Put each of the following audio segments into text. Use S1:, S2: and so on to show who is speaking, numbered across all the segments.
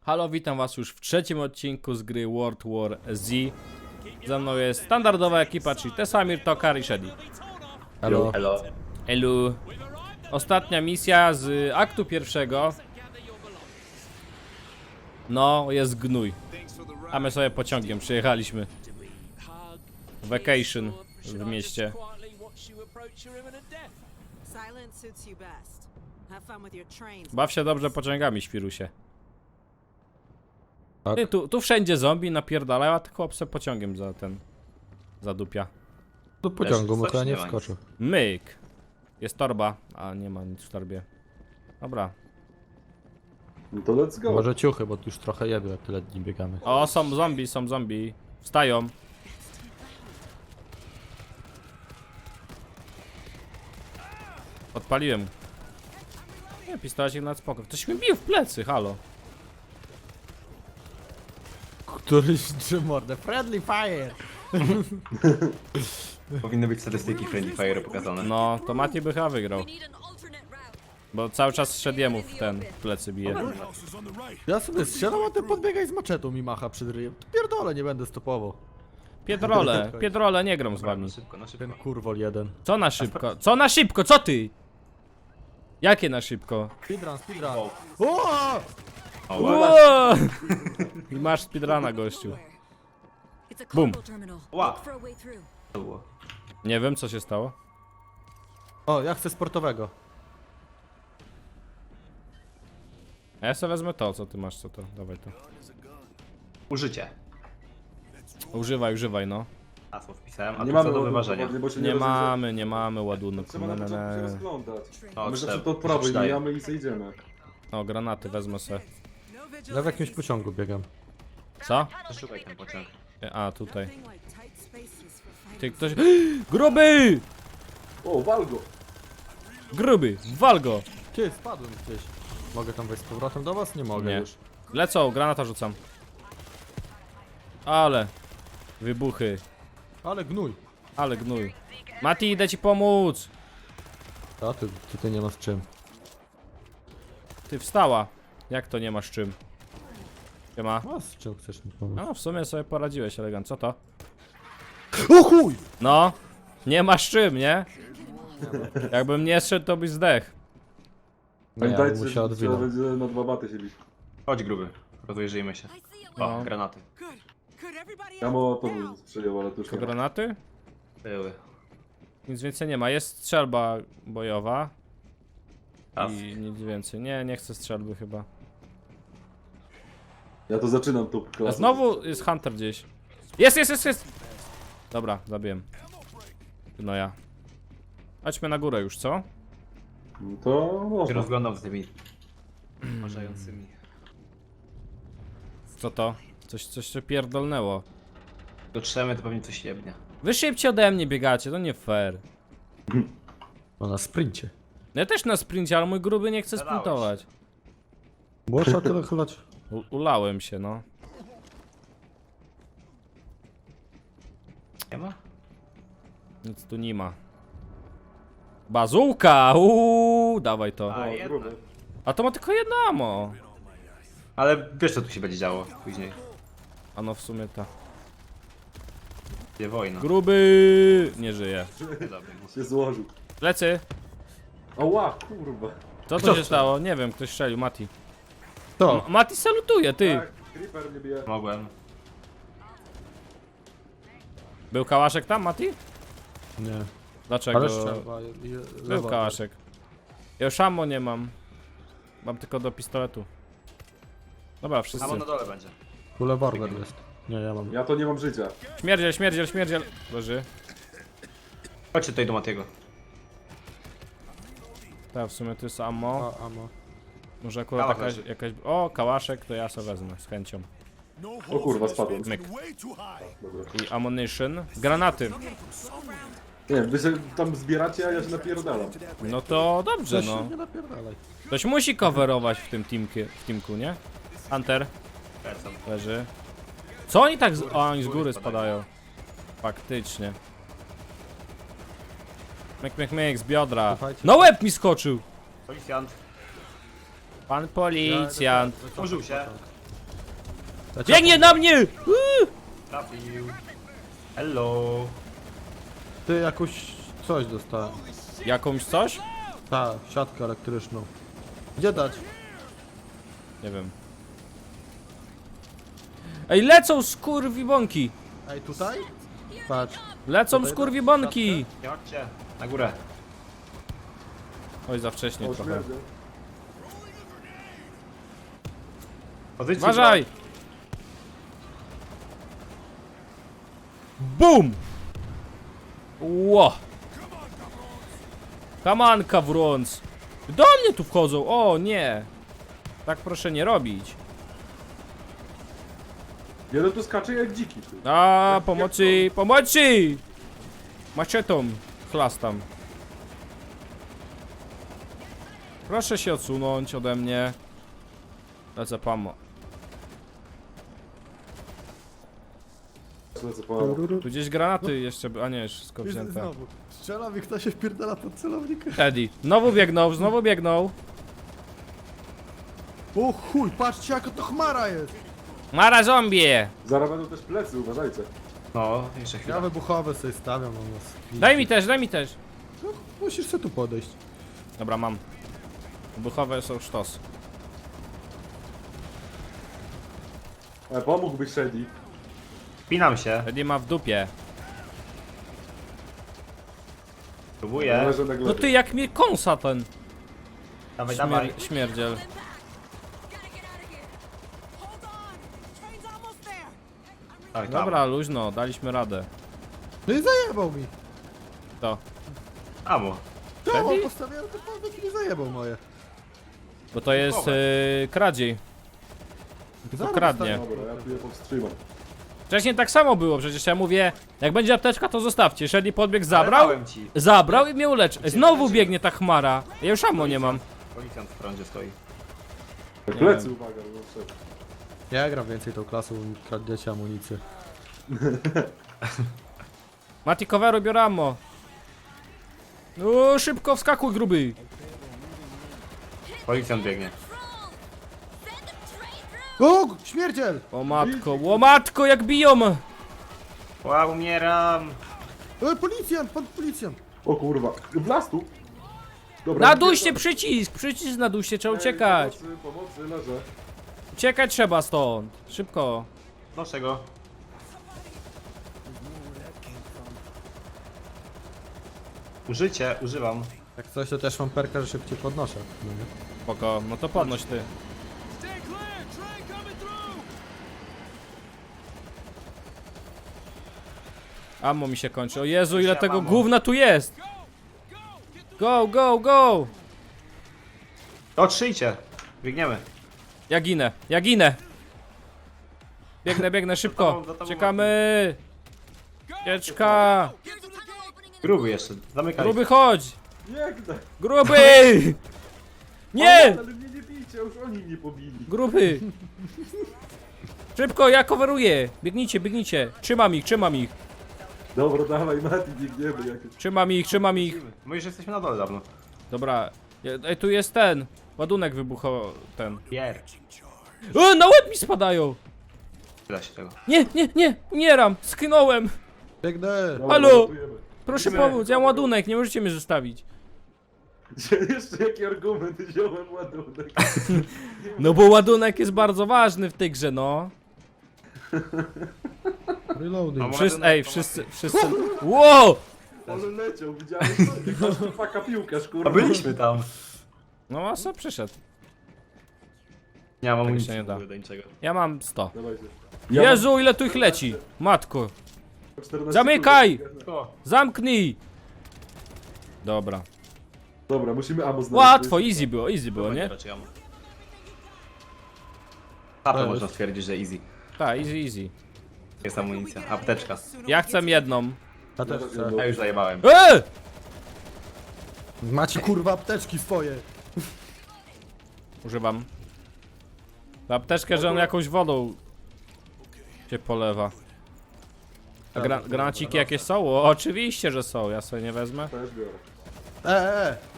S1: Halo, witam was już w trzecim odcinku z gry World War Z. Ze mną jest standardowa ekipa, czyli Tesamir, Tokar i Shady.
S2: Hello.
S3: Hello.
S1: Elu. Ostatnia misja z aktu pierwszego. No, jest gnój. A my sobie pociągiem przyjechaliśmy. Vacation w mieście. Baw się dobrze pociągami, świrusie.
S2: Tak.
S1: Ty, tu wszędzie zombie napierdalają, a ty chłop se pociągiem zadupia.
S2: Do pociągu, bo to ja nie wskoczył.
S1: Myk. Jest torba, a nie ma nic w torbie. Dobra.
S3: No to let's go.
S2: Może ciuchy, bo tu już trochę jebie, jak tyle dni biegamy.
S1: O, są zombie. Wstają. Odpaliłem. Nie, pistolecik na spoko. Ktoś mi bił w plecy, halo.
S2: Któryś czy mordę. Friendly fire!
S3: Powinny być statystyki Friendly Fire pokazane.
S1: No, to Mati by chyba wygrał. Bo cały czas szedł jemu w plecy bije.
S2: Ja sobie strzelam, a ty podbiegaj z maczetą mi macha przed ryjem. Pierdolę, nie będę stopował.
S1: Piedrole, nie gram z wami.
S3: Na szybko, na szybko.
S2: Ten kurwol jeden.
S1: Co na szybko? Co na szybko? Co ty? Jakie na szybko?
S2: Speedrun, speedrun.
S3: Wow.
S2: O!
S3: O, wow.
S1: Wow! I masz speedruna, gościu. Bum.
S3: Wow. To było.
S1: Nie wiem, co się stało.
S2: O, ja chcę sportowego.
S1: A ja sobie wezmę to, co ty masz, co to? Dawaj to.
S3: Użycie.
S1: Używaj, no.
S3: Hasło wpisałem, a
S4: Nie
S3: to co
S4: mamy
S3: do wyważenia.
S4: bo się
S1: Nie mamy ładunku.
S4: Trzeba na początku się rozglądać.
S3: O,
S4: My zawsze
S3: trzeba-
S4: to od prawej
S3: przeczytaj.
S4: mijamy i zejdziemy.
S1: O, granaty wezmę se.
S2: Ja w jakimś pociągu biegam.
S1: Co?
S3: Przeszukaj ten pociąg.
S1: A, tutaj. Ty, ktoś... Gruby!
S4: O, walgo!
S1: Gruby! Wal go!
S2: Ty, spadłem gdzieś. Mogę tam wejść z powrotem do was? Nie mogę
S1: Nie.
S2: już.
S1: Lecą, granata rzucam. Ale... Wybuchy.
S2: Ale gnój.
S1: Ale gnój. Mati, idę ci pomóc!
S2: A ty tutaj nie ma z czym.
S1: Ty wstała. Jak to nie masz czym? Siema.
S2: A z czym chcesz mi pomóc?
S1: No, w sumie sobie poradziłeś elegant. Co to?
S2: O chuj!
S1: No. Nie masz czym, nie? Jakbym nie szedł, to byś zdech.
S2: Nie, ja
S4: Pamiętajcie,
S2: bym
S4: że
S2: musiał
S4: trzeba
S2: odwinąć.
S4: będzie na dwa baty się bić.
S3: Chodź gruby. Rozejrzyjmy się. O,
S1: No.
S3: granaty.
S4: Ja mam to strzelił, ale to już
S1: To
S4: nie ma.
S1: granaty?
S3: Były.
S1: Nic więcej nie ma. Jest strzelba bojowa.
S3: Raz.
S1: I nic więcej. Nie chcę strzelby chyba.
S4: Ja to zaczynam tą
S1: A
S4: klasę.
S1: znowu jest Hunter gdzieś. Jest! Dobra, zabiłem. No ja. Chodźmy na górę już, co?
S4: No to
S3: Się
S4: można.
S3: rozglądam z tymi uważającymi.
S1: Co to? Coś się pierdolnęło.
S3: Dotrzemy, to pewnie coś jebnie.
S1: Wy szybciej ode mnie biegacie, to nie fair.
S2: No na sprincie.
S1: Ja też na sprincie, ale mój gruby nie chce
S3: Zadałeś.
S1: sprintować.
S2: Można tyle chylać.
S1: Ulałem się, no.
S3: Nie ma?
S1: Nic tu nie ma. Bazułka! Dawaj to.
S3: A,
S4: O,
S3: jedna.
S4: gruby.
S1: A to ma tylko jedno ammo.
S3: Ale wiesz co tu się będzie działo później.
S1: A no w sumie ta.
S3: Gdzie wojna.
S1: Gruby! Nie żyje.
S3: Dobra.
S4: Się złożył.
S1: Lecy!
S4: Ała, kurwa.
S1: Co
S2: Kto
S1: tu się
S2: strzelił?
S1: stało? Nie wiem, ktoś strzelił, Mati.
S2: To.
S1: Mati salutuje, ty!
S4: Tak, creeper mnie bije.
S3: Mogłem.
S1: Był kałaszek tam, Mati?
S2: Nie.
S1: Dlaczego?
S2: Ale strzelba.
S1: Był kałaszek. Ja już ammo nie mam. Mam tylko do pistoletu. Dobra, wszyscy.
S3: Samo na dole będzie.
S2: Kule barber jest. Nie, ja mam.
S4: Ja to nie mam życia.
S1: Śmierdziel. Leży.
S3: Chodźcie tutaj do Matiego.
S1: Tak, w sumie to jest ammo.
S2: A, amo.
S1: Może akurat
S3: Kałach
S1: jakaś,
S3: leży.
S1: jakaś... O, kałaszek, to ja sobie wezmę, z chęcią.
S4: O kurwa, spadłem.
S1: Myk.
S4: Dobra.
S1: I ammunition. Granaty.
S4: Nie, wy się tam zbieracie, a ja się napierdalam.
S1: No to dobrze, no.
S2: Nie napierdalaj.
S1: Ktoś musi coverować w tym teamku, nie? Hunter
S3: Lecam.
S1: leży. Co oni tak z... O, oni z góry spadają. Faktycznie. Myk, z biodra.
S2: Słuchajcie.
S1: No łeb mi skoczył!
S3: Policjant.
S1: Pan policjant.
S3: Otworzył się.
S1: Biegnie na mnie!
S3: Trafił. Hello.
S2: Ty jakoś coś dostałem.
S1: Jakąś coś?
S2: Ta, siatkę elektryczną. Gdzie dać?
S1: Nie wiem. Ej, lecą skurwibonki!
S2: Ej, tutaj? Patrz.
S1: Lecą
S2: Tutaj
S1: skurwibonki!
S3: Nie chodźcie. Na górę.
S1: Oj, za wcześnie
S4: O,
S1: trochę.
S4: śmierdzę.
S3: Pozycji
S1: Uważaj! BUM! Ło! Kamanka wrąc! Do mnie tu wchodzą! O nie! Tak proszę nie robić.
S4: Jeden tu skacze jak dziki. Ty.
S1: A, pomocy! Pomocy! Maczetą chlastam. Proszę się odsunąć ode mnie. Lecę pamo.
S4: Lecę po...
S1: Tu gdzieś granaty jeszcze, a nie, wszystko
S2: Wiesz,
S1: wzięte.
S2: znowu. Strzelam i ktoś się wpierdala pod celownik.
S1: Eddie. Znowu biegnął, znowu biegnął.
S2: O chuj, patrzcie jaka to chmara jest.
S1: Mara zombie!
S4: Zaraz będą też plecy, uważajcie.
S3: No, jeszcze
S2: Ja
S3: chwilę.
S2: wybuchowe sobie stawiam na nas.
S1: Daj mi też, daj mi też.
S2: No, musisz sobie tu podejść.
S1: Dobra, mam. Wybuchowe są sztos.
S4: Pomógłbyś Shady.
S3: Pinam się.
S1: Eddie ma w dupie.
S3: Próbuję.
S4: Należy na
S1: No
S4: glebie.
S1: ty jak mnie kąsa ten
S3: Dawaj, dawaj.
S1: śmierdziel.
S3: Dawaj, tam.
S1: Dobra, luźno, daliśmy radę.
S2: No i zajebał mi.
S1: To.
S3: Amo.
S2: To
S1: Wtedy?
S2: on postawiłem to podbieg i nie zajebał moje.
S1: Bo to jest kradziej.
S2: Zaraz
S1: kradnie.
S2: dostanę.
S4: Dobra, ja tu je powstrzymam.
S1: Wcześniej tak samo było, przecież ja mówię, jak będzie apteczka to zostawcie. Shady podbiegł,
S3: Ale
S1: zabrał,
S3: dałem ci.
S1: zabrał i mnie uleczy. Znowu biegnie ta chmara. Ja już ammo nie mam.
S3: Policjant w prądzie stoi.
S4: Plecy, uwaga, no wszedł.
S2: Ja gram więcej tą klasą, kradniecie amunicję.
S1: Mati coveru, biorę ammo. No szybko wskakuj gruby.
S3: Policjant biegnie.
S2: O, śmierdziel!
S1: O matko, jak biją.
S3: Wow, umieram.
S2: Policjant, pan policjant!
S4: O kurwa, w las tu. Dobra,
S1: Naduście przycisk naduście, trzeba uciekać.
S4: Pomocy, leżę.
S1: Uciekać trzeba stąd. Szybko.
S3: Noszę go. Użycie, używam.
S2: Jak coś to też mam perka, że szybciej podnoszę. No nie?
S1: Spoko, no to podnoś ty. Ammo mi się kończy. O Jezu, ile tego
S3: ammo.
S1: gówna tu jest. Go, go, go.
S3: Otrzyjcie. Biegniemy.
S1: Ja ginę, ja ginę. Biegnę szybko.
S3: za tobą,
S1: Czekamy. Ucieczka.
S3: Gruby jeszcze. Zamykaj.
S1: Gruby chodź.
S4: Biegnę.
S1: Gruby. Nie.
S4: Ale mnie nie bijcie, już oni mnie pobili.
S1: Gruby. Szybko, ja coveruję. Biegnijcie, biegnijcie. Trzymam ich.
S4: Dobra, dawaj Mati, biegniemy jakieś.
S1: Trzymam ich.
S3: My już jesteśmy na dole dawno.
S1: Dobra. Ej, tu jest ten. Ładunek wybuchał ten.
S3: Pier.
S1: Na łeb mi spadają.
S3: Tyle się tego.
S1: Nie, umieram. Sknąłem.
S2: Biegnę!
S4: Dobra,
S1: Halo?
S4: ratujemy.
S1: Proszę pomóc, ja mam ładunek, nie możecie mnie zostawić.
S4: Jeszcze jaki argument wziąłem ładunek.
S1: No bo ładunek jest bardzo ważny w tej grze, no.
S2: Reloading.
S1: Wszyscy. Wow!
S4: Ale leciał, widziałeś to? Masz tu faka piłkarz,
S3: A
S4: kurwa.
S3: byliśmy tam.
S1: No a co przyszedł?
S3: Nie mam
S1: się
S3: amunicji
S1: nie da.
S3: do niczego.
S1: Ja mam 100.
S4: Dawajcie.
S1: Jezu, ile tu ich leci. Matko.
S4: mam 14
S1: Zamykaj!
S4: kurwa.
S3: O,
S1: Zamknij! Dobra.
S4: Dobra, musimy ammo znaleźć.
S1: Łatwo, easy było, nie?
S3: raczej ammo. A to można stwierdzić, że easy.
S1: Tak, easy.
S3: Jest amunicja. Apteczka.
S1: Ja chcę jedną.
S2: Ja też chcę.
S3: Ja już zajebałem.
S2: Macie kurwa apteczki swoje.
S1: Używam. Ta apteczkę, że on jakąś wodą się polewa. A granaciki jakieś są? O, oczywiście, że są. Ja sobie nie wezmę.
S4: Też biorę.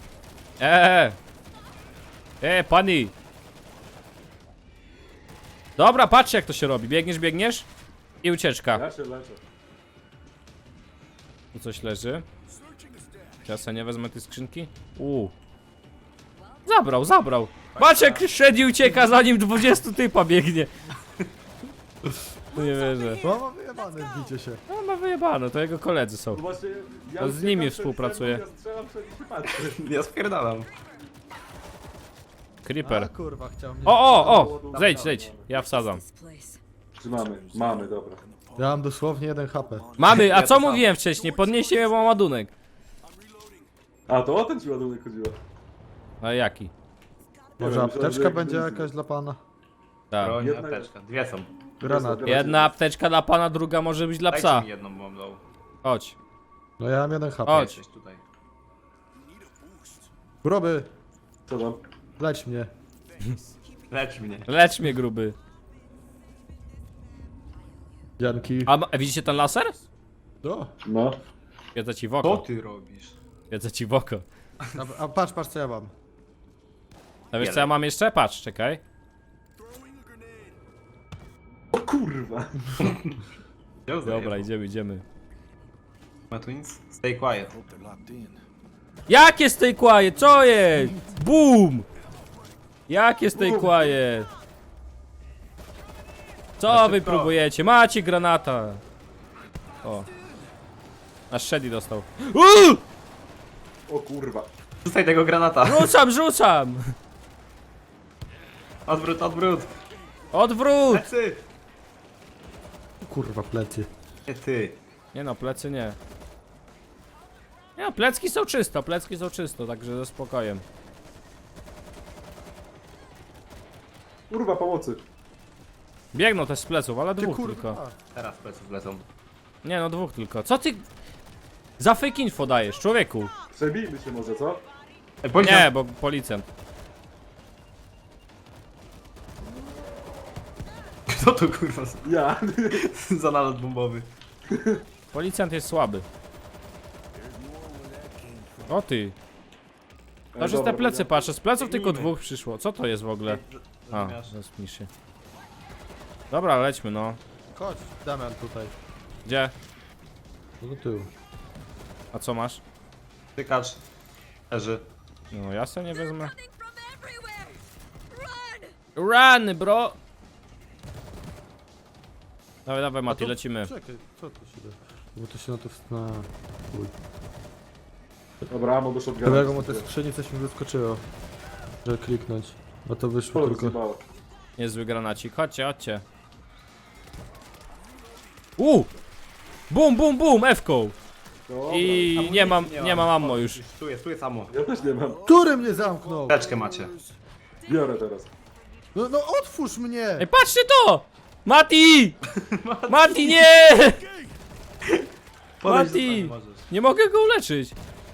S1: Pani! Dobra, patrzcie jak to się robi. Biegniesz, biegniesz i ucieczka.
S4: Ja się leczę.
S1: Tu coś leży. Ja sobie nie wezmę tej skrzynki. Zabrał. Patrz jak Shreddy ucieka, zanim 20 typa biegnie. No nie wierzę.
S2: No ma wyjebane, bicie się.
S1: No ma wyjebane, to jego koledzy są.
S4: No właśnie, ja
S1: To z
S4: uciekam
S1: nimi
S4: przed
S1: współpracuję.
S4: Ja strzelam przed i się patrzę.
S3: Ja spierdalam.
S1: Creeper.
S2: A, kurwa, chciał mnie...
S1: O! Zejdź. Ja wsadzam.
S4: Czy mamy? Mamy, dobra.
S2: Ja mam dosłownie 1 HP.
S1: Mamy, a
S3: Ja
S1: co
S3: to samo.
S1: mówiłem wcześniej? Podnieście mnie mam ładunek.
S4: A, to o ten ci ładunek chodziło.
S1: A jaki?
S4: Nie
S2: Może
S4: wiem, myślałem,
S2: apteczka
S4: że jak
S2: będzie
S4: benzyn.
S2: jakaś dla pana?
S1: Tak.
S3: Broń,
S4: Jedna-
S3: apteczka. Dwie są.
S2: Granat.
S1: Jedna apteczka dla pana, druga może być dla
S3: Dajcie
S1: psa.
S3: mi jedną, bo mam low.
S1: Chodź.
S2: No ja mam 1 HP.
S1: Chodź.
S3: Jesteś tutaj.
S2: Groby,
S4: Co tam?
S2: leć mnie.
S3: Lecz mnie.
S1: Lecz mnie, gruby.
S2: Dzianki.
S1: A widzicie ten laser?
S2: O,
S4: No.
S1: Wiedzę ci w
S3: Co
S1: oko.
S3: ty robisz?
S1: Wiedzę ci w oko.
S2: a patrz co ja mam.
S1: A wiesz co ja mam jeszcze? Patrz, czekaj.
S4: O kurwa.
S1: Dobra, idziemy.
S3: Ma twins? Stay quiet.
S1: Jakie stay quiet? Co jest? Boom! Jakie stay quiet? Co wy próbujecie? Macie granata. O. Aż Shreddy dostał.
S4: O kurwa.
S3: Rzucaj tego granata.
S1: Rzucam!
S3: Odwrót.
S1: Odwrót!
S3: Plecy!
S2: Kurwa, plecy.
S3: Nie ty.
S1: Nie no, plecy nie. Nie no, plecki są czysto, także ze spokojem.
S4: Kurwa, pomocy.
S1: Biegną też z pleców, ale
S2: Ty
S1: dwóch
S2: kurwa.
S1: tylko.
S3: Teraz pleców lecą.
S1: Nie no, dwóch tylko. Co ty... Za fake info dajesz, człowieku?
S4: Przebijmy się może, co?
S1: Nie, bo policjant.
S3: Co to kurwa
S4: Ja.
S3: za nalot bombowy?
S1: Policjant jest słaby. O ty. To, że
S4: Dobra,
S1: te plecy
S4: dobra.
S1: patrzę, z pleców tylko
S3: Biegnijmy.
S1: dwóch przyszło. Co to jest w ogóle? A,
S3: Rozumiesz?
S1: zespnij się. Dobra, lećmy no.
S2: Chodź, Damian tutaj.
S1: Gdzie?
S2: Do tyłu.
S1: A co masz?
S3: Tykacz. Leży.
S1: No ja sobie nie wezmę.
S5: Coming from everywhere! Run!
S1: Run, bro! Dawaj, Mati, lecimy.
S2: Czekaj, co tu się da? Bo to się na to wstna... Chuj.
S4: Dobra, amo do shotguna.
S2: Kolego, mu te skrzyni coś mi wyskoczyło. Żeby kliknąć. A to wyszło
S4: Polak
S2: tylko...
S4: zjebało.
S1: Niezły granacik, chodźcie. Bum, F-ką.
S4: Dobra.
S1: I nie mam ammo już.
S3: Tu jest ammo.
S4: Ja też nie mam.
S2: Który mnie zamknął?
S3: Teczkę macie.
S4: Biorę teraz.
S2: No otwórz mnie!
S1: Ej, patrzcie to! Mati! Mati, nie!
S3: Podejdź
S1: Mati!
S3: do pani, możesz.
S1: Nie mogę go uleczyć.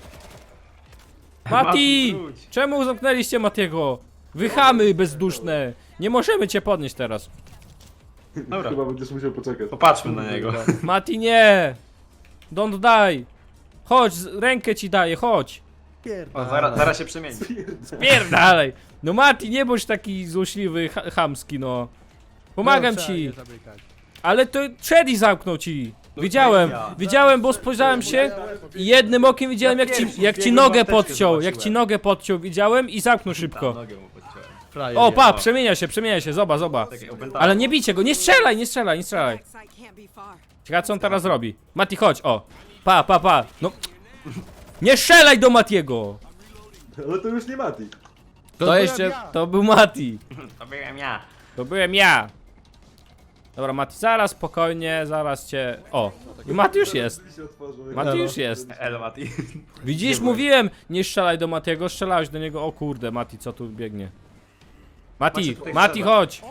S1: Mati!
S3: wróć.
S1: Czemu zamknęliście Matiego? Wychamy bezduszne. Nie możemy cię podnieść teraz.
S3: Dobra.
S4: Chyba będziesz musiał poczekać.
S3: Popatrzmy na niego.
S1: Mati, nie! Don't die! Chodź, rękę ci daję, chodź!
S3: O, zaraz się przemieni.
S1: Pierdalej! No Mati, nie bądź taki złośliwy, chamski, no. Pomagam ci! Ale to Shreddy zamknął ci! Widziałem, bo spojrzałem się i jednym okiem widziałem jak ci nogę podciął, widziałem i zamknął szybko.
S3: Nogę mu podciąłem.
S2: Frajer,
S1: O, pa, przemienia się, zobacz.
S3: Takie opętane.
S1: Ale nie bijcie go, nie strzelaj! Ciekawe co on teraz robi. Mati, chodź, o. Pa. No. Nie strzelaj do Matiego!
S4: Ale to już nie Mati.
S1: To był Mati.
S3: To byłem ja.
S1: To byłem ja. Dobra, Mati, zaraz spokojnie, zaraz cię... O, i Mati już jest.
S4: Drzwi się otworzą.
S1: Mati już jest.
S3: Elo Mati.
S1: Widzisz, mówiłem, nie strzelaj do Matiego, strzelałeś do niego. O kurde, Mati, co tu biegnie? Mati,
S3: Macie tutaj
S1: Mati,
S3: strzelać.
S1: chodź!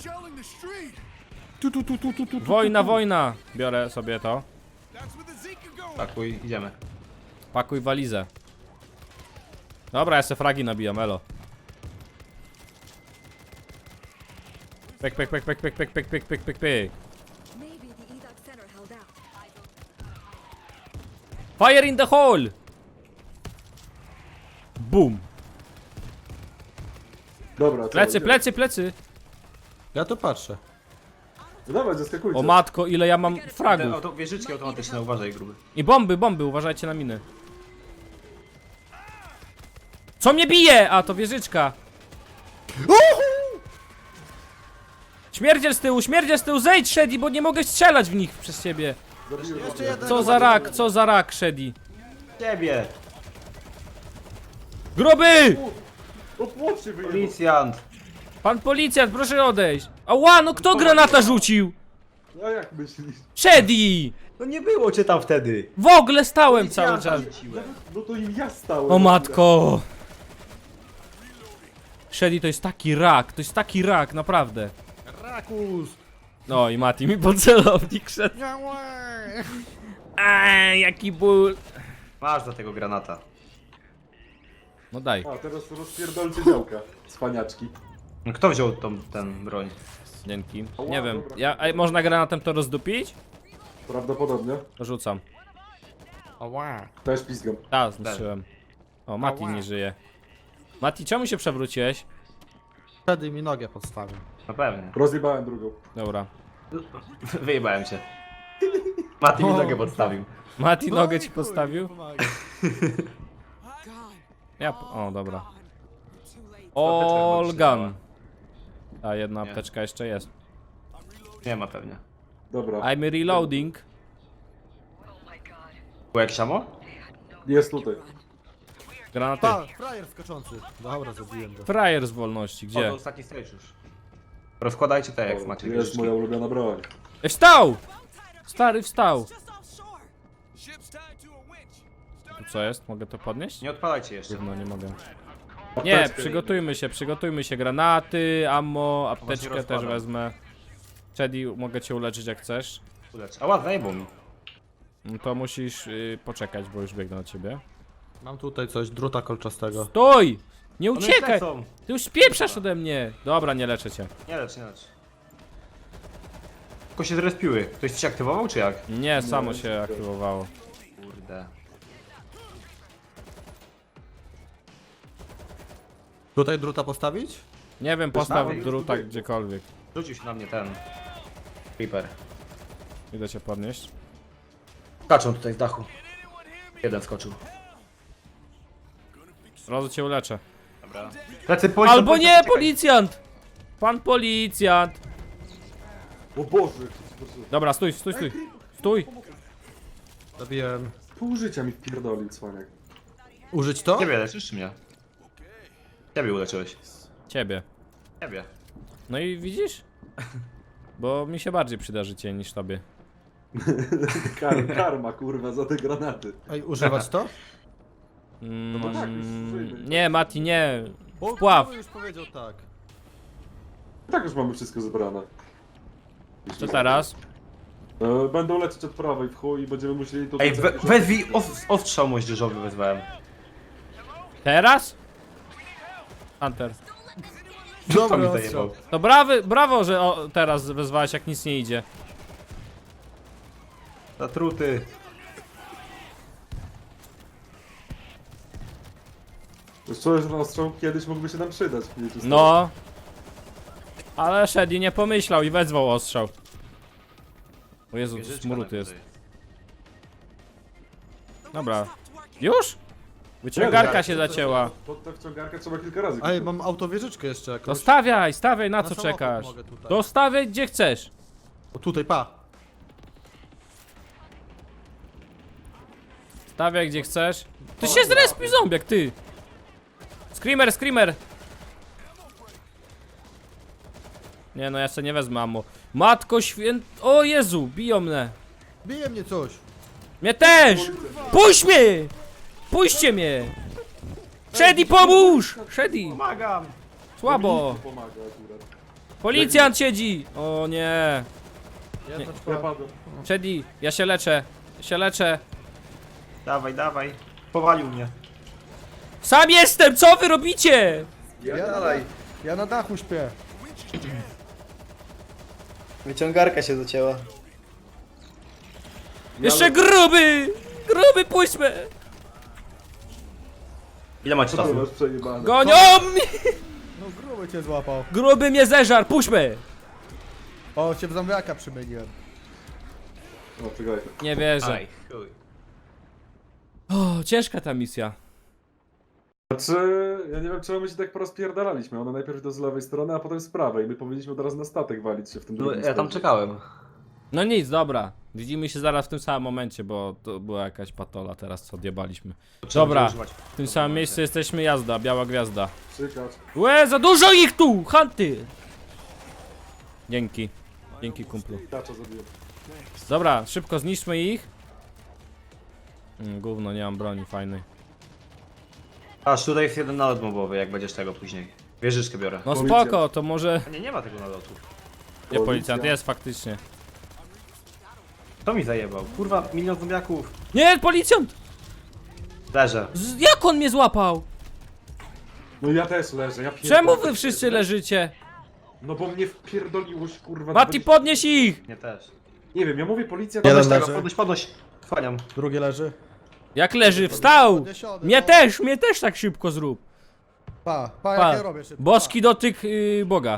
S1: Wojna! Biorę sobie to.
S3: Pakuj, idziemy.
S1: Pakuj walizę. Dobra, ja se fragi nabijam, elo. Pek.
S5: Maybe the evac center held out.
S1: Fire in the hole! Boom.
S4: Dobra, co, idziemy.
S1: Plecy.
S2: Ja to patrzę.
S4: No dawaj, zaskakujcie.
S1: O matko, ile ja mam
S3: Te
S1: fragów.
S3: wieżyczki automatyczne, uważaj gruby.
S1: I bomby, uważajcie na miny. Co mnie bije? A, to wieżyczka. Śmierdziel z tyłu, zejdź Shady, bo nie mogę strzelać w nich przez ciebie.
S4: Zabiłem
S2: Jeszcze
S4: go.
S2: jeden.
S1: Co za rak, Shady.
S3: Ciebie!
S1: Gruby!
S4: O, płot się wyjebał.
S3: Policjant!
S1: Pan policjant, proszę odejść. Ała, no kto granata rzucił?
S4: A jak myślisz?
S1: Shady!
S3: No nie było cię tam wtedy!
S1: W ogóle stałem cały czas.
S4: No to im ja stałem.
S1: O matko. Shady to jest taki rak, naprawdę.
S2: Rakus!
S1: No i Mati mi pod celownik szedł. Jaki ból.
S3: Masz do tego granata.
S1: No daj.
S4: A, teraz rozpierdolcie działka. Cwaniaczki.
S3: No kto wziął ten broń?
S1: Dzięki. Nie wiem. Można granatem to rozdupić?
S4: Prawdopodobnie.
S1: To rzucam.
S2: Ała.
S4: Też pizgam.
S1: Tak, zniszczyłem. O, Mati nie żyje. Mati, czemu się przewróciłeś?
S2: Wtedy mi nogę podstawił.
S3: No pewnie.
S4: Rozjebałem drugą.
S1: Dobra.
S3: Wyjebałem się. Mati mi nogę podstawił.
S1: Mati
S2: No
S1: nogę
S2: i
S1: ci
S2: chuj,
S1: postawił?
S2: pomaga.
S1: O, dobra.
S3: Apteczka
S1: Olgan. A jedna
S3: Nie.
S1: apteczka jeszcze jest.
S3: Nie ma pewnie.
S4: Dobra.
S1: I'm reloading.
S3: Było jakieś ammo?
S4: Jest tutaj.
S1: Granaty.
S2: Pa, frajer skoczący. Dobra, zabiłem go.
S1: Frajer z wolności,
S3: O,
S1: gdzie?
S3: to ostatni stage już. Rozkładajcie te jak macie
S4: Jest
S3: wieżyczki.
S4: moja ulubiona broń.
S1: Wstał! Stary wstał. Tu co jest? Mogę to podnieść?
S3: Nie odpalajcie jeszcze.
S1: No nie mogę.
S4: Apteczkę.
S1: Nie, przygotujmy się. Granaty, ammo, apteczkę też
S3: rozkładam.
S1: wezmę. Chedi, mogę cię uleczyć jak chcesz.
S3: Ulecz. Ała, zajebał mi.
S1: No to musisz poczekać, bo już biegnę do ciebie.
S2: Mam tutaj coś, druta kolczastego.
S1: Stój! Nie
S3: One już
S1: uciekaj!
S3: lecą.
S1: Ty już spieprzasz ode mnie! Dobra, nie leczę cię.
S3: Nie lecz, nie lecz. Tylko się zrespiły. Ktoś ci się aktywował, czy jak?
S1: Nie, samo
S4: nie,
S1: się
S4: nie.
S1: aktywowało.
S3: Kurde.
S2: Tutaj druta postawić?
S1: Nie wiem, postaw
S3: nawet
S1: druta
S4: tutaj.
S1: gdziekolwiek.
S3: Rzucił się na mnie ten... Creeper.
S1: Idę cię podnieść.
S3: Skaczą tutaj z dachu. Jeden skoczył.
S1: Razu cię uleczę.
S3: Dobra. Plecy, policjant,
S1: Albo nie,
S3: uciekaj.
S1: policjant! Pan policjant!
S4: O Boże.
S1: Dobra, stój. Stój!
S2: Zabiłem.
S4: Pół życia mi wpierdolił, cwaniak.
S2: Użyć to?
S3: Ciebie leczysz, czy mnie? Ciebie uleczyłeś.
S1: Ciebie.
S3: Ciebie.
S1: No i widzisz? Bo mi się bardziej przyda życie niż tobie.
S4: Karma, kurwa, za te granaty.
S2: Ej, używać to?
S4: No tak, już użyjmy.
S1: Nie, Mati, nie.
S2: Bo
S1: Wpław.
S2: Kuba już powiedział tak.
S4: Tak już mamy wszystko zebrane.
S1: Co teraz?
S4: Będą lecieć od prawej w chuj i będziemy musieli to...
S3: Ej, wezwij ostrzał moździerzowy wezwałem.
S1: Teraz? Hunter.
S3: Co mi
S2: Dobra,
S3: zajebał?
S1: To brawo, że teraz wezwałeś, jak nic nie idzie.
S3: Zatruty.
S4: Już czuję, że ten ostrzał kiedyś mógłby się nam przydać.
S1: No. Ale Shady nie pomyślał i wezwał ostrzał. O Jezu, to
S3: Wieżyczka
S1: smród
S3: na
S1: jest.
S3: górze.
S1: Dobra. Już? Wyciągarka się zacięła.
S4: Pod tę wciągarkę trzeba kilka razy.
S2: Ej, mam autowieżyczkę jeszcze jakąś.
S1: To stawiaj, na co
S2: samochód
S1: czekasz?
S2: mogę tutaj.
S1: To stawiaj gdzie chcesz.
S2: O tutaj, pa.
S1: Stawiaj gdzie chcesz. Ty się zrespił zombiak, ty! Screamer! Nie no, ja sobie nie wezmę ammo. Matko O Jezu, biją mnie.
S2: Bije mnie coś.
S1: Mnie też! Puść mnie! Puśćcie mnie! Shady, pomóż! Shady,
S3: Pomagam!
S1: słabo.
S4: Pomaga akurat.
S1: Policjant siedzi! O nie.
S2: Jedna
S4: Ja
S2: czwarta.
S4: padłem.
S1: Shady, ja się leczę.
S3: Dawaj. Powalił mnie.
S1: Sam jestem, co wy robicie?
S2: Ja na dachu śpię.
S3: Wyciągarka się zacięła.
S1: Jeszcze gruby! Gruby, puść mnie!
S3: Ile macie
S4: Co ty
S3: czasu?
S4: masz przejebane?
S1: Gonią mnie!
S2: No gruby cię złapał.
S1: Gruby mnie zeżar, puść mnie!
S2: O, się w zombiaka przemieniłem.
S4: No, czekaj.
S1: Nie wierzę.
S3: Aj, chuj.
S1: O, ciężka ta misja.
S4: Znaczy, ja nie wiem czemu my się tak porozpierdalaliśmy. Ona najpierw do z lewej strony, a potem z prawej. My powinniśmy od razu na statek walić się w tym
S3: No,
S4: drugim
S3: ja tam
S4: składzie.
S3: czekałem.
S1: No nic, dobra. Widzimy się zaraz w tym samym momencie, bo to była jakaś patola teraz, co odjebaliśmy.
S3: Trzeba
S1: Dobra,
S3: będzie używać.
S1: w tym samym miejscu jesteśmy, jazda, biała gwiazda.
S4: Czekać.
S1: Łe, za dużo ich tu! Hunty! Dzięki. Dzięki, kumplu.
S4: I tacza zabiłem.
S1: Dobra, szybko zniszczmy ich. Gówno, nie mam broni fajnej.
S3: Aż tutaj jest jeden nalot mobowy, jak będziesz tego później. Wieżyczkę biorę.
S1: No
S4: Policja.
S1: spoko, to może...
S3: A nie ma tego nalotu.
S1: Nie, policjant, jest faktycznie.
S3: Kto mi zajebał? Kurwa, milion zombiaków.
S1: Nie, policjant!
S3: Leżę.
S1: Jak on mnie złapał?
S4: No ja też leżę, ja pierdolę.
S1: Czemu wy wszyscy leżycie?
S4: No bo mnie wpierdoliłoś, kurwa.
S1: Mati,
S4: 20.
S1: podnieś ich!
S3: Nie też.
S4: Nie wiem, ja mówię policja...
S2: Jeden
S3: Podnoś tego,
S2: leży.
S3: podnoś. Chwaniam.
S2: Drugi leży.
S1: Jak leży, wstał!
S2: Podniesiony,
S1: Mnie też tak szybko zrób.
S2: Pa,
S1: Pa.
S2: jak ja robię szybko.
S1: Boski dotyk Boga.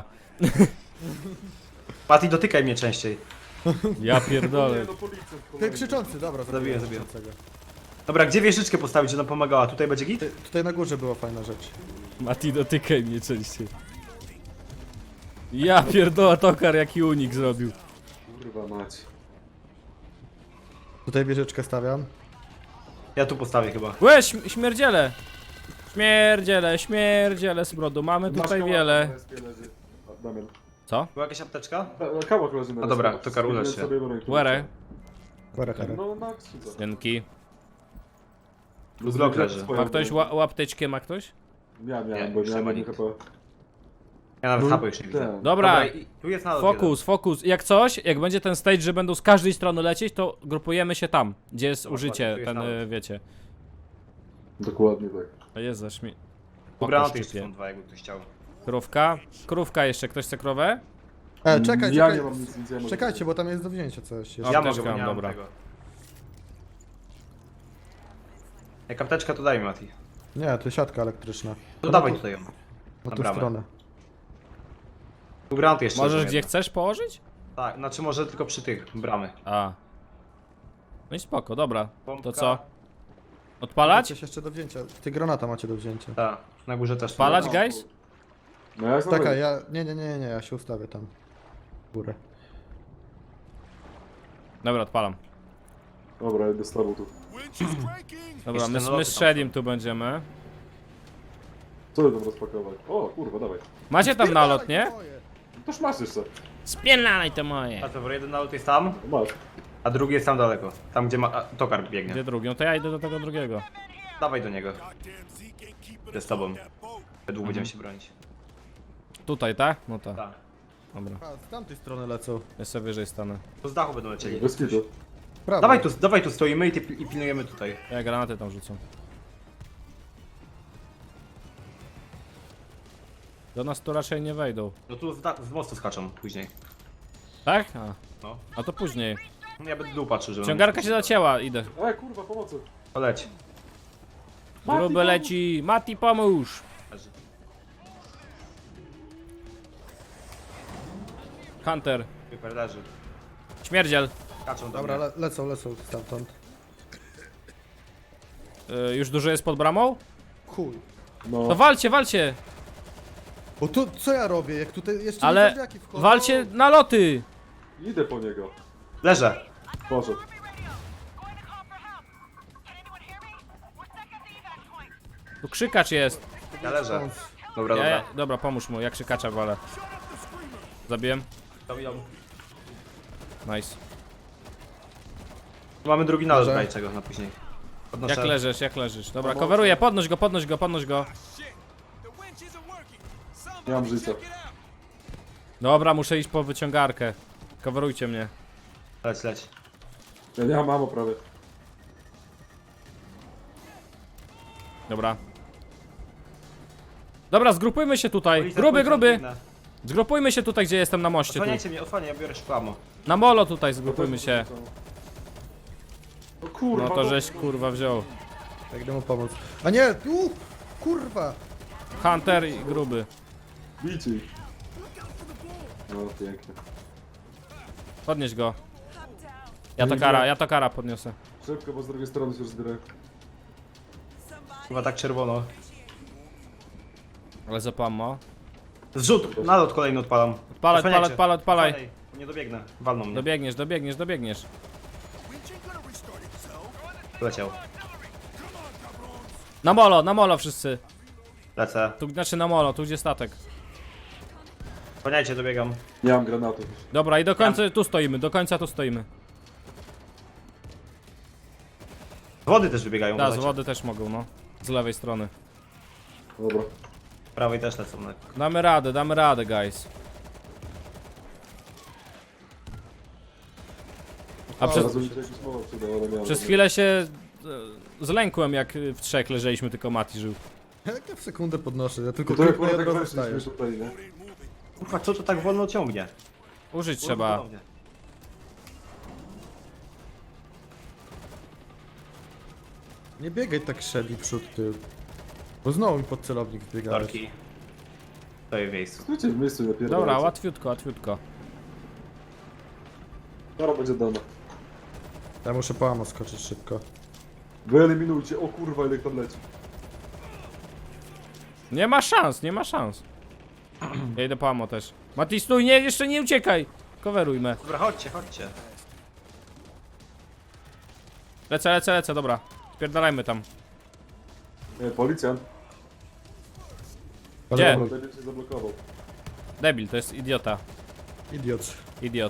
S3: Mati, dotykaj mnie częściej.
S1: Ja
S4: Nie,
S1: pierdolę.
S4: no policjant,
S2: Ty
S4: kolejny.
S2: krzyczący, dobra,
S3: Zabiję.
S2: krzyczącego.
S3: Dobra, gdzie wieżyczkę postawić, że nam pomagała? Tutaj będzie git?
S2: Tutaj na górze była fajna rzecz.
S1: Mati, dotykaj mnie częściej. Ja pierdolę, Tokar jaki unik zrobił.
S4: Kurwa mać.
S2: Tutaj wieżyczkę stawiam.
S3: Ja tu postawię chyba.
S1: Łe, śmierdziele! Śmierdziele z brodu, mamy
S4: Masz
S1: tutaj
S4: kałach
S1: wiele.
S4: na respie leży. A, Damian.
S1: Co?
S3: Była jakaś apteczka?
S4: Kałak leży na
S3: No dobra,
S4: respie.
S3: to Karol
S4: Sobie-
S3: leży się.
S4: sobie broń,
S1: Łere.
S2: Chore.
S4: No na skrzydło.
S1: Dzięki.
S3: Blok leży.
S1: Ma ktoś łapteczkę, ma ktoś?
S4: Ja
S3: Nie,
S4: miałem, bo
S3: już nie ma
S4: miałem
S3: nikt.
S4: chyba...
S3: Ja nawet
S4: No,
S3: hapy już nie widzę.
S4: tak.
S1: Dobra,
S3: i tu jest nalot
S1: fokus. Jak coś, jak będzie ten stage, że będą z każdej strony lecieć, to grupujemy się tam, gdzie jest
S3: Dokładnie,
S1: użycie,
S3: tu jest
S1: ten,
S3: nalot.
S1: wiecie.
S4: Dokładnie tak.
S1: To jest za śmie...
S3: Tu granaty
S1: Oko
S3: jeszcze
S1: szczypie.
S3: są dwa, jakby ktoś chciał.
S1: Krówka. Krówka jeszcze, ktoś chce krowę?
S2: Czekaj,
S4: Ja
S2: czekaj.
S4: nie mam nic, ja mogę.
S2: Czekajcie, bo tam jest do wzięcia coś.
S1: A,
S3: Ja
S1: apteczka
S3: mogę, bo nie
S1: mam,
S3: mam
S1: dobra.
S3: tego. Jak apteczka to daj mi, Mati.
S2: Nie, to siatka elektryczna.
S3: To dawaj tutaj ją.
S2: Na
S3: Na
S2: tą
S3: bramę.
S2: stronę.
S3: Tu granaty jeszcze
S1: Możesz
S3: są
S1: gdzie
S3: jedne.
S1: chcesz położyć?
S3: Tak, znaczy może tylko przy tych, bramy.
S1: A. No i spoko, dobra.
S3: Pompka.
S1: To co? Odpalać?
S2: Coś jeszcze do wzięcia. Ty granata macie do wzięcia.
S3: Tak, na górze też.
S1: Odpalać,
S3: są.
S1: guys?
S4: No ja jestem
S2: Czekaj, ja... Nie, ja się ustawię tam. W górę.
S1: Dobra, odpalam.
S4: Dobra, idę z tobą tu.
S1: Dobra,
S3: Jeszcze
S1: my
S3: naloty
S1: z
S3: tam
S1: Shedim tu będziemy.
S4: Co ty tam rozpakować? O, kurwa, dawaj.
S1: Macie tam nalot, nie?
S4: Toż masz jeszcze.
S1: Spiernalaj to moje.
S3: A to jeden nalot jest tam,
S4: No masz.
S3: a drugi jest tam daleko. Tam gdzie Tokar biegnie.
S1: Gdzie drugi? No to ja idę do tego drugiego.
S3: Dawaj do niego. Idę z tobą. Długo będziemy się bronić.
S1: Tutaj, tak? No tak.
S3: Tak.
S1: Dobra.
S2: A, z tamtej strony lecą.
S1: Ja sobie wyżej stanę.
S3: To z dachu będą lecieli.
S4: Bez kitu.
S2: Prawo.
S3: Dawaj tu stoimy i pilnujemy tutaj.
S1: Ja granaty tam rzucę. Do nas tu raczej nie wejdą.
S3: No tu z mostu skaczą później.
S1: Tak? A,
S3: No.
S1: a to później.
S3: Ja będę dół patrzył, żeby...
S1: Ciągarka się zacięła, idę.
S4: Kurwa, pomocy.
S3: Poleć.
S1: Gruby leci. Mati, pomóż!
S3: Leży.
S1: Hunter.
S3: Super, leży.
S1: Śmierdziel.
S3: Skaczą do
S2: Dobra,
S3: mnie.
S2: lecą stamtąd.
S1: Już dużo jest pod bramą?
S2: Chuj.
S4: No.
S1: To walcie!
S2: Bo tu, co ja robię? Jak tutaj jeszcze
S1: Ale
S2: zombiaki wchodzą?
S1: walcie na loty!
S4: Idę po niego.
S3: Leżę.
S4: Poszedł.
S1: Tu krzykacz jest.
S3: Ja leżę. Dobra,
S1: Ja,
S3: dobra.
S1: dobra, pomóż mu, jak krzykacza walę. Zabiłem.
S3: Zabijam.
S1: Nice.
S3: Mamy drugi nalot,
S2: Dobrze.
S3: daj czego na później. Podnoszę.
S1: Jak leżysz? Dobra, coveruję, podnoś go.
S4: Nie mam życia.
S1: Dobra, muszę iść po wyciągarkę. Coverujcie mnie.
S3: Leć.
S4: Ja nie mam ammo prawie.
S1: Dobra, zgrupujmy się tutaj.
S3: Policja,
S1: Gruby!
S3: biegnę.
S1: Zgrupujmy się tutaj, gdzie jestem na moście. Tu.
S3: Osłaniajcie mnie, osłaniaj, ja biorę szkłamo.
S1: Na molo tutaj zgrupujmy się.
S4: No kurwa.
S1: No to żeś kurwa wziął.
S2: Jak idę mu pomóc. A nie, tu! Kurwa!
S1: Hunter i gruby.
S4: Bijcie ich. No pięknie.
S1: Podnieś go. Ja to kara podniosę.
S4: Szybko, bo z drugiej strony się rozbierają.
S3: Chyba tak czerwono.
S1: Ale zapammo.
S3: Zrzut, nalot kolejny odpalam.
S1: Odpalaj.
S3: Nie dobiegnę, walną mnie.
S1: Dobiegniesz.
S3: Leciał.
S1: Na molo wszyscy.
S3: Lecę.
S1: Tu, znaczy na molo, tu gdzie statek.
S3: Paniajcie, dobiegam.
S4: Nie mam granatów.
S1: Dobra, i do końca tu stoimy, do końca tu stoimy.
S3: Z wody też wybiegają.
S1: Da, z
S3: uważajcie.
S1: wody też mogą, no. Z lewej strony.
S4: Dobra.
S3: Z prawej też lecą. No.
S1: Damy radę, guys. A
S4: Teraz mi się jakiś mowa przydał, ale nie mam.
S1: przez chwilę się zlękłem, jak w trzech leżeliśmy, tylko Mati żył.
S2: Jak ja w sekundę podnoszę, ja tylko
S4: To jak
S2: kliknę i
S4: tak
S2: od razu
S4: weszliśmy
S2: wstajesz.
S4: tutaj, nie?
S3: Kurwa, co to tak wolno ciągnie?
S1: Użyć trzeba.
S3: Ponownie.
S2: Nie biegaj tak Shelly przód tył. Bo znowu mi pod celownik wbiegałeś.
S3: Torki. Stoję w miejscu.
S4: Stójcie w miejscu, napierdalajcie.
S1: Dobra, łatwiutko.
S4: Dobra, będzie dana.
S2: Ja muszę po ammo skoczyć szybko.
S4: Wyeliminujcie, o kurwa, ile ich tam leci.
S1: Nie ma szans. Ja idę po ammo też. Mati, stój, nie, jeszcze nie uciekaj. Coveruj me.
S3: Dobra, chodźcie.
S1: Lecę, dobra. Spierdalajmy tam.
S4: Nie, policjant.
S1: Gdzie?
S4: Dobra, debil się zablokował.
S1: Debil, to jest idiota.
S2: Idiot.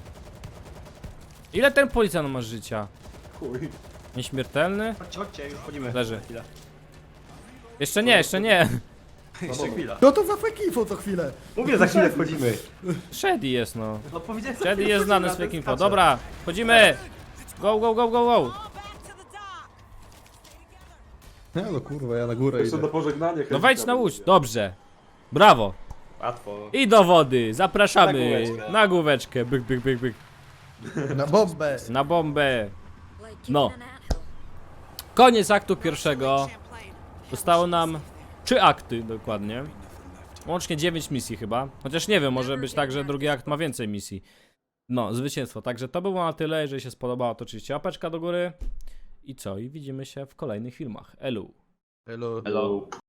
S1: Ile ten policjant ma życia?
S4: Chuj.
S1: Nieśmiertelny?
S3: Chodźcie, już wchodzimy.
S1: Leży.
S3: Chwilę.
S1: Jeszcze nie.
S3: Jeszcze chwila.
S2: No to za fake co chwilę.
S3: Mówię, za chwilę wchodzimy.
S1: Shady jest, no.
S3: No powiedziałem,
S1: Shady jest znany z fake info. Dobra, wchodzimy. Go.
S2: Nie no kurwa, ja na górę
S4: Jeszcze
S2: idę.
S4: do pożegnania.
S1: No wejdź na łódź. Dobrze. Brawo.
S3: Łatwo.
S1: I do wody. Zapraszamy.
S3: Na główeczkę.
S1: Na główeczkę. Byk.
S2: Na bombę.
S1: Na bombę.
S5: Like
S1: No.
S5: keeping an anthill.
S1: Koniec aktu pierwszego. Zostało nam 3 akty dokładnie. Łącznie 9 misji chyba. Chociaż nie wiem, może być tak, że drugi akt ma więcej misji. No, zwycięstwo. Także to było na tyle. Jeżeli się spodobało, to oczywiście łapeczka do góry. I co? I widzimy się w kolejnych filmach. Elu.
S2: Hello.
S3: Hello.